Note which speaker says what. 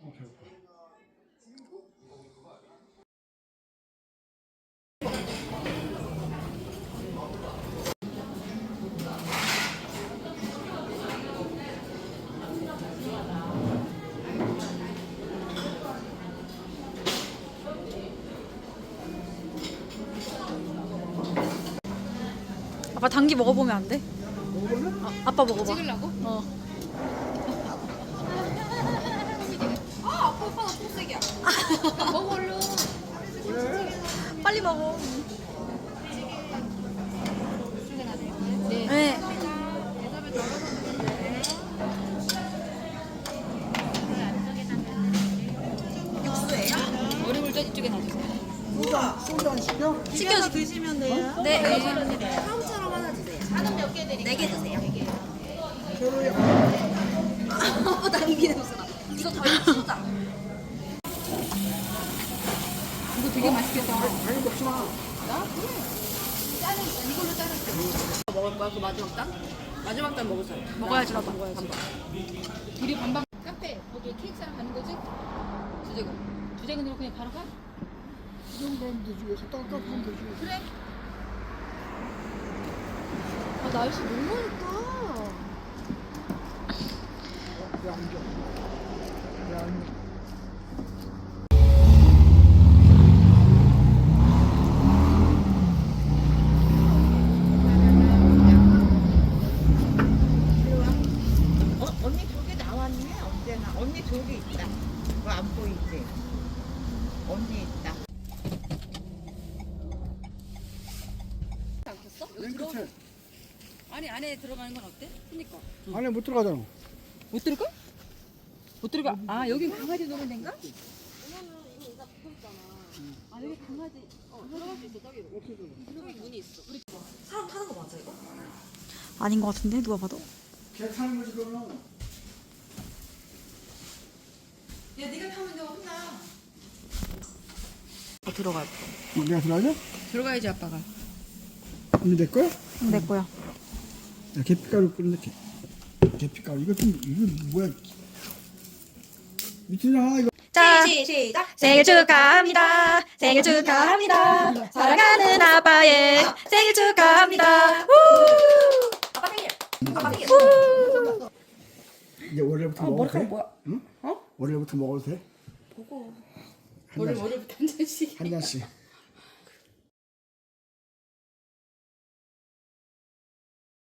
Speaker 1: 배고파.
Speaker 2: 아빠 당기 먹어보면 안 돼?
Speaker 1: 먹어볼래?
Speaker 2: 아빠 먹어봐.
Speaker 3: 찍으려고?
Speaker 2: 어.
Speaker 3: 아, 아빠 오빠가 초록색이야. 먹어 얼른.
Speaker 2: 빨리 먹어.
Speaker 3: 이쪽에 놔둬요. 네.
Speaker 2: 네.
Speaker 3: 대답을 덜어봤는데. 육수예요? 어리굴 전 이쪽에 놔주세요.
Speaker 1: 소주 안 시켜?
Speaker 2: 시켜서 드시면 돼요. 네.
Speaker 3: 처음처럼 하나 주세요. 한원 몇 개 드릴까요? 4개 주세요. 4개.
Speaker 2: 아빠 당기 냄새나. 이거 더 익히자.
Speaker 3: 이거 되게 맛있겠다.
Speaker 1: 많이 먹지 마.
Speaker 3: 나? 그래. 이걸로 자를게. 먹을 거야? 그 마지막 단? 마지막 단 먹으세요.
Speaker 2: 먹어야지 나도 먹어야지.
Speaker 3: 둘이 반반. 카페 거기 케이크 사람 가는 거지? 두재근으로 그냥 바로 가?
Speaker 1: 이 정도면 되지. 여기서 깎아보면 되지.
Speaker 3: 그래. 아 날씨 너무 맑다.
Speaker 1: 왜 앉아? 왜 앉아?
Speaker 4: 언니 저기 나왔네 언제나 언니 저기 있다 뭐 안 보이지 언니 있다
Speaker 3: 않겠어?
Speaker 1: 맨 끝에.
Speaker 3: 아니 안에 들어가는 건 어때? 그니까
Speaker 1: 안에 못 들어가잖아.
Speaker 3: 못 들어가? 못 들어가? 아 여기 강아지 노는 데인가? 아 여기 강아지 들어갈 수 있어 저기 저기 문이 있어 우리 사람 타는 거 맞아 이거?
Speaker 2: 아닌 것 같은데 누가 봐도.
Speaker 1: 개 타는 거지 그러면.
Speaker 3: 야 네가 타면 내가 혼나
Speaker 2: 들어갈
Speaker 1: 내가 들어가자?
Speaker 3: 들어가야지 아빠가
Speaker 1: 언니 내 거야?
Speaker 2: 내 거야.
Speaker 1: 야, 계피가루 끓는데 계피가루 이거 좀 이거 뭐야? 미친아 이거.
Speaker 2: 자, 시작. 생일 축하합니다. 생일 축하합니다. 사랑하는 아빠의 생일 축하합니다. 우! 아빠 생일. 아빠 생일. 우!
Speaker 1: 이제 월요일부터 먹어도 돼?
Speaker 3: 뭐야?
Speaker 1: 응? 월요일부터 먹어도 돼?
Speaker 3: 보고
Speaker 1: 한 잔씩.
Speaker 3: 월요일부터 한 잔씩
Speaker 1: 한 잔씩.